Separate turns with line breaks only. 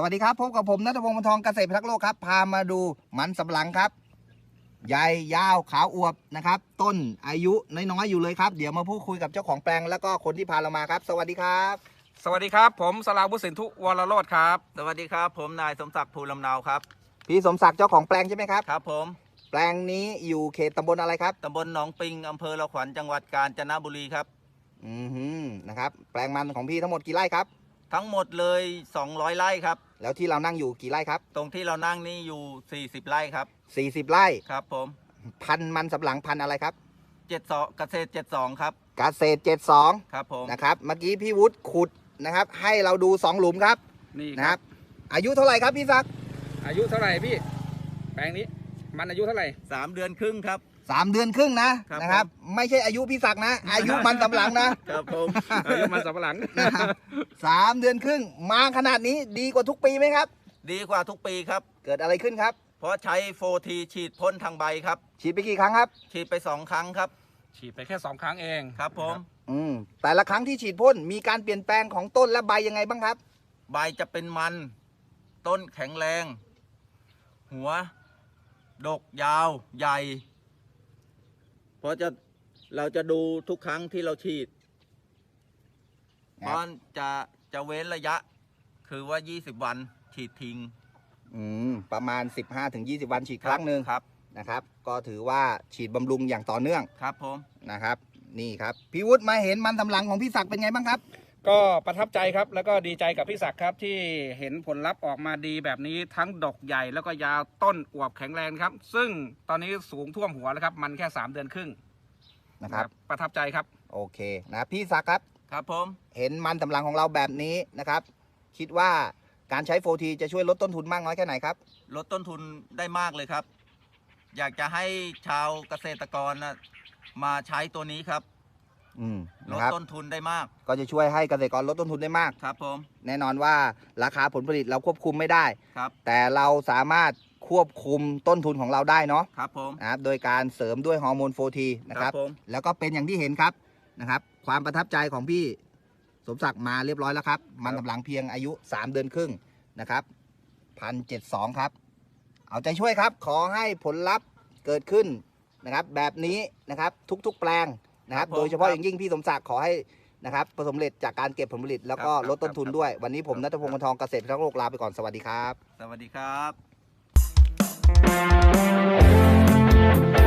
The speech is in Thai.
วัสดีครับพบกับผมณัฐพงศ์ วรรณทองเกษตรพิทักษ์โลกครับพามาดูมันสำปะหลังครับใหญ่ยาวขาวอวบนะครับต้นอายุน้อยๆอยู่เลยครับเดี๋ยวมาพูดคุยกับเจ้าของแปลงแล้วก็คนที่พาเรามาครับสวัสดีครับ
สวัสดีครับผมสราวุฒิสินธุวรโรจน์ครับ
สวัสดีครับผมนายสมศักดิ์ภูลำเนาครับ
พี่สมศักดิ์เจ้าของแปลงใช่ไหมครับ
ครับผม
แปลงนี้อยู่เขตตำบลอะไรครับ
ตำบลหนองปิงอำเภอละขวัญจังหวัดกาญจนบุรีครับ
นะครับแปลงมันของพี่ทั้งหมดกี่ไร่ครับ
ทั้งหมดเลย200ไร่ครับ
แล้วที่เรานั่งอยู่กี่ไร่ครับ
ตรงที่เรานั่งนี่อยู่40ไร่ครับ
40ไร่
ครับผม
พันธุ์มันสำปะหลังพันธุ์อะไรครับ
72เกษตร72ครับ
เกษตร72
ครับผม
นะครับเมื่อกี้พี่วุฒิขุดนะครับให้เราดู2หลุมครับ
นี่
นะครับอายุเท่าไหร่ครับพี่ศักดิ์
อายุเท่าไหร่พี่แปลงนี้มันอายุเท่าไหร่
3 เดือนครึ่งครับ
3 เดือนครึ่งนะครับไม่ใช่อายุพี่ศักดิ์นะอายุมันสำปะหลังนะครับ
ผม
อายุมันสับปะหลัง
นะครับ3 เดือนครึ่งมาขนาดนี้ดีกว่าทุกปีไหมครับ
ดีกว่าทุกปีครับ
เกิดอะไรขึ้นครับ
เพราะใช้โฟทีฉีดพ่นทางใบครับ
ฉีดไปกี่ครั้งครับ
ฉีดไป2 ครั้งครับ
ฉีดไปแค่2 ครั้งเอง
ครับผม
แต่ละครั้งที่ฉีดพ่นมีการเปลี่ยนแปลงของต้นและใบยังไงบ้างครับ
ใบจะเป็นมันต้นแข็งแรง หัว ดกยาวใหญ่ เพราะเราจะดูทุกครั้งที่เราฉีด
ครับ
เพราะจะเว้นระยะ คือว่า20วันฉีดทิ้ง
ประมาณ 15-20 วันฉีดครั้งหนึ่ง
ครับ
นะครับก็ถือว่าฉีดบำรุงอย่างต่อเนื่อง
ครับผม
นะครับนี่ครับพี่วุฒิมาเห็นมันสำปะหลังของพี่ศักดิ์เป็นไงบ้างครับ
ก็ประทับใจครับแล้วก็ดีใจกับพี่ศักดิ์ครับที่เห็นผลลัพธ์ออกมาดีแบบนี้ทั้งดอกใหญ่แล้วก็ยาวต้นอวบแข็งแรงครับซึ่งตอนนี้สูงท่วมหัวแล้วครับมันแค่3 เดือนครึ่ง
นะครับ
ประทับใจครับ
โอเคนะพี่ศักดิ์ครับ
ครับผม
เห็นมันสำปะหลังของเราแบบนี้นะครับคิดว่าการใช้โฟทีจะช่วยลดต้นทุนมากน้อยแค่ไหนครับ
ลดต้นทุนได้มากเลยครับ อยากจะให้ชาวเกษตรกรมาใช้ตัวนี้ครับ ล
นะ
ด
ครับ
ต้นทุนได้มาก
ก็จะช่วยให้เกษตรกรลดต้นทุนได้มาก
ครับผม
แน่นอนว่าราคาผลผลิตเราควบคุมไม่ได้
ครับ
แต่เราสามารถควบคุมต้นทุนของเราได้เนาะ
ครับผม
นะครับโดยการเสริมด้วยฮอร์โมนโฟทีนะครับ
ผม
แล้วก็เป็นอย่างที่เห็นครับนะครับความประทับใจของพี่สมศักดิ์มาเรียบร้อยแล้วครับ มันสำปะหลังเพียงอายุ 3 เดือนครึ่งนะครับ1,072ครับเอาใจช่วยครับขอให้ผลลัพธ์เกิดขึ้นนะครับแบบนี้นะครับทุกๆแปลงนะครับโดยเฉพาะอย่างยิ่งพี่สมศักดิ์ขอให้นะครับประสบผลสำเร็จจากการเก็บผลผลิตแล้วก็ลดต้นทุนด้วย วันนี้ผมณัฐพงศ์ วรรณทองเกษตรพิทักษ์โลกลาไปก่อนสวัสดีครับ
สวัสดีครับ